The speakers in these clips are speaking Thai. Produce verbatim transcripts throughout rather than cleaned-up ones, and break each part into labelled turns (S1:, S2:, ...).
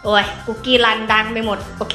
S1: โอ้ยคุกกี้รันดังไปหมดโอเค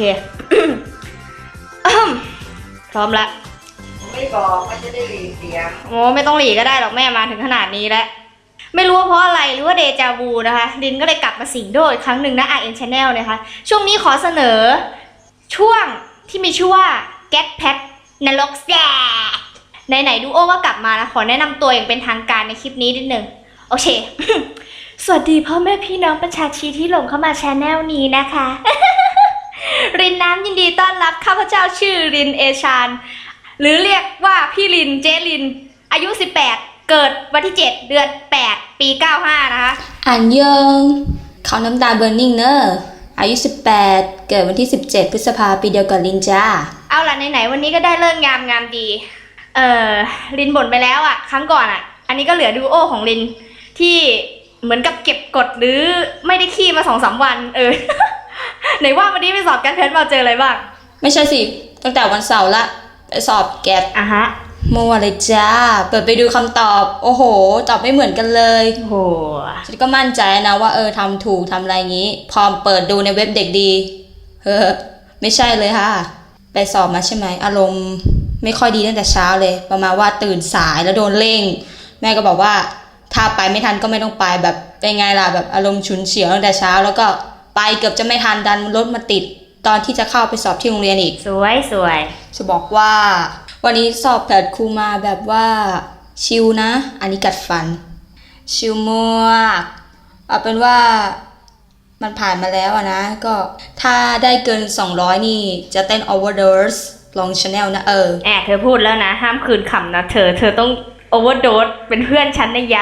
S1: พร้อมละ
S2: ไม่บอกมันจะได้หลีเสียง
S1: โอ้ไม่ต้องหลีก็ได้หรอกแม่มาถึงขนาดนี้แล้วไม่รู้ว่าเพราะอะไรหรือว่าเดจาวูนะคะลินก็เลยกลับมาสิงโดอีกครั้งหนึ่งนะ อาร์ เอ็น Channel นะคะช่วงนี้ขอเสนอช่วงที่มีชื่อว่า Get Pet นรกแซ่ไหนๆดูโอ้ก็กลับมานะขอแนะนำตัวอย่างเป็นทางการในคลิปนี้นิดนึงโอเค สวัสดีพ่อแม่พี่น้องประชาชนที่หลงเข้ามา Channel นี้นะคะ รินน้ำยินดีต้อนรับข้าพเจ้าชื่อรินเอชานหรือเรียกว่าพี่รินเจรินอายุสิบแปดเกิดวันที่เจ็ดเดือนแปดปีเก้าสิบห้านะคะ
S3: อันยองเขาน้ำตาเบอร์นิ่งเนอะอายุสิบแปดเกิดวันที่สิบเจ็ดพฤษภาปีเดียวกับลินจ้า
S1: เอาล่ะไหนๆวันนี้ก็ได้เลิกงามงามดีเอ่อลินบ่นไปแล้วอ่ะครั้งก่อนอ่ะอันนี้ก็เหลือดูโอของลินที่เหมือนกับเก็บกดหรือไม่ได้ขี้มาสองสามวันเออ ไหนว่าวันนี้ไปสอบการเพชรมาเจออะไรบ้าง
S3: ไม่ใช่สิตั้งแต่วันเสาร์ละไปสอบแกด
S1: อ่ะฮะ
S3: มัวเลยจ้าเปิดไปดูคำตอบโอ้โหตอบไม่เหมือนกันเลย
S1: โอ้โห
S3: ฉันก็มั่นใจนะว่าเออทำถูกทำอะไรงี้ พอเปิดดูในเว็บเด็กดีเฮ้อไม่ใช่เลยค่ะไปสอบมาใช่ไหมอารมณ์ไม่ค่อยดีตั้งแต่เช้าเลยประมาณว่าตื่นสายแล้วโดนเร่งแม่ก็บอกว่าถ้าไปไม่ทันก็ไม่ต้องไปแบบเป็นไงล่ะแบบอารมณ์ฉุนเฉียวตั้งแต่เช้าแล้วก็ไปเกือบจะไม่ทันดันรถมาติดตอนที่จะเข้าไปสอบที่โรงเรียนอีก
S1: สวยสวย
S3: จะบอกว่าวันนี้สอบแผดครูมาแบบว่าชิลนะอันนี้กัดฟันชิลมากเอาเป็นว่ามันผ่านมาแล้วอะนะก็ถ้าได้เกินสองร้อยนี่จะเต้น overdose ลอง channel นะเออ
S1: แอบเธอพูดแล้วนะห้ามคืนคำนะเธอเธอต้อง overdose เป็นเพื่อนฉันนะยะ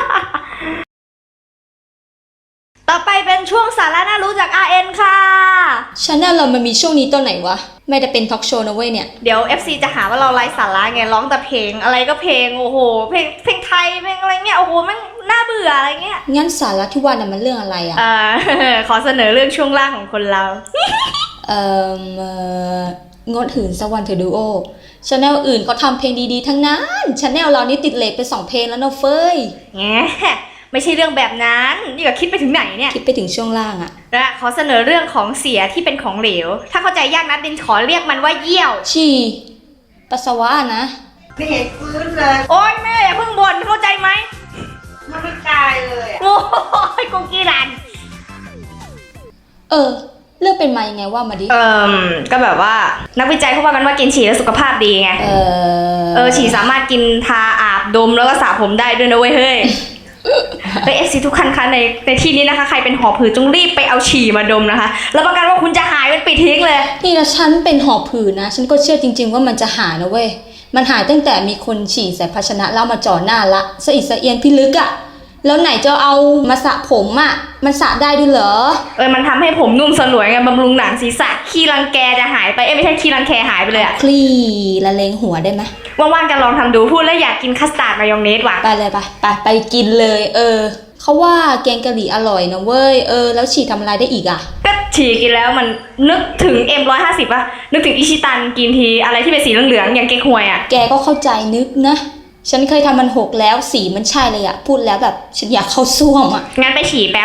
S1: ต่อไปเป็นช่วงสาระน่ารู้จาก อาร์ เอ็น ค่ะ
S3: channel เรามันมีช่วงนี้ตอนไหนวะไม่ได้เป็นทอล์กโชว์นะเว้ยเนี่ย
S1: เดี๋ยว เอฟ ซี จะหาว่าเราไร้สาระไงร้องแต่เพลงอะไรก็เพลงโอ้โหเพลงเพลงไทยเพลงอะไรเงี้ยโอ้โหมันน่าเบื่ออะไรเงี้ย
S3: งั้นสาระที่ว่าน่ะมันเรื่องอะไรอ่ะ
S1: อ่า ขอเสนอเรื่องช่วงล่างของคนเรา
S3: เอ่องดหืนสักวันเธอดูโอchannel อื่นเขาทำเพลงดีๆทั้งนั้น channel เรานี่ติดเลทไปสองเพลงแล้วเนาะเฟ้ย
S1: แงไม่ใช่เรื่องแบบนั้นนี่ก็คิดไปถึงไหนเนี่ย
S3: คิดไปถึงช่วงล่างอะ
S1: และขอเสนอเรื่องของเสียที่เป็นของเหลวถ้าเข้าใจยากนัดดินขอเรียกมันว่าเยี่ยว
S3: ฉี่ปัสสาวะนะ
S2: ไม่เห็นฟื้นเลย
S1: โอ๊ยแม่อย่าเพิ่งบ่นเข้าใจไหม
S2: มันไม่ตายเลย
S1: โอ้ยกุ๊กกี้รัน
S3: เออเรื่องเป็นมายังไงว่ามาดิ
S1: เออก็แบบว่านักวิจัยเขาว่ากันว่ากินฉี่แล้วสุขภาพดีไงเออเออฉี่สามารถกินทาอาบดมแล้วก็สระผมได้ด้วยนะเว้ยเฮ้ยเอฟซีทุกคันคะในในที่นี้นะคะใครเป็นหอบหืดจงรีบไปเอาฉี่มาดมนะคะแล้วประกันว่าคุณจะหายเป็นปิดทิ้งเลย
S3: นี่นะฉันเป็นหอบหืดนะฉันก็เชื่อจริงๆว่ามันจะหายนะเว้ยมันหายตั้งแต่มีคนฉี่ใส่ภาชนะแล้วมาจ่อหน้าละสะอิดสะเอียนพิลึกอะแล้วไหนจะเอามาสระผมอะมันสระได้ด้วยเหรอ
S1: เออมันทำให้ผมนุ่มสลวยไงบำรุงหนังศีรษะขี้รังแกจะหายไปเอ้ไม่ใช่ขี้รังแคหายไปเลยอะ
S3: คลี่ละเลงหัวได้ไหม
S1: ว่างๆจะลองทำดูพูดแล้วอยากกินคัสตาร์ดมายองเนสว่ะ
S3: ไปเลยไปไปไปกินเลยเออเขาว่าแกงกะหรี่อร่อยนะเว้ยเออแล้วฉี่ทำอะไรได้อีกอะ
S1: ก็ฉี่กินแล้วมันนึกถึง เอ็ม หนึ่งร้อยห้าสิบ ป่ะนึกถึงอิชิตันกินทีอะไรที่เป็นสีเหลืองๆอย่างเก๊กฮวยอะ
S3: แกก็เข้าใจนึกนะฉันเคยทำมันหกแล้วสีมันใช่เลยอะพูดแล้วแบบฉันอยากเข้าซ่วมอะ
S1: งั้นไปฉี่แป๊บ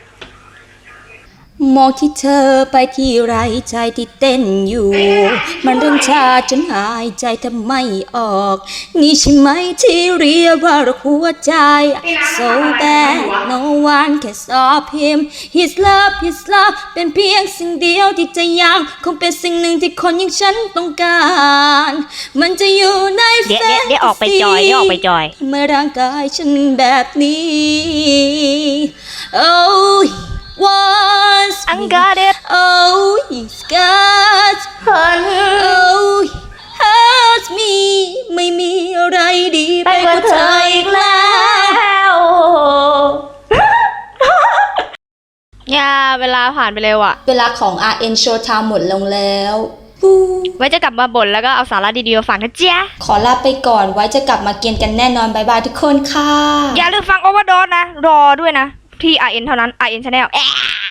S3: มองที่เธอไปที่ไรใจที่เต้นอยู่มันเริ่มชาจนหายใจทำไม่ออกนี่ใช่ไหมที่เรียกว่ารักหัวใจ so bad no one can stop him his love his love เป็นเพียงสิ่งเดียวที่จะยังคงเป็นสิ่งหนึ่งที่คนอย่างฉันต้องการมันจะอยู่ใน
S1: เดี๋ยวเดี๋ยวออกไปจอยเดี๋ยวออกไปจอย
S3: เมื่อร่างกายฉันแบบนี้ oh once
S1: I got it
S3: oh he's got
S1: fun
S3: oh hurt me ไม่มีอะไรดีไปกว่าเธออีกแล้ว
S1: อย่าเวลาผ่านไปเร็วอะ
S3: เวลาของ อาร์ เอ็น Showtime หมดลงแล้ว
S1: ไว้จะกลับมาบ่นแล้วก็เอาสาระดีๆมาฝากนะเจ๊
S3: ขอลาไปก่อนไว้จะกลับมาเกียนกันแน่นอนบายบายทุกคนค่ะ
S1: อย่าลืมฟังโอเวอร์โดสนะรอด้วยนะที่ อาร์ เอ็น เท่านั้น อาร์ เอ็น Channel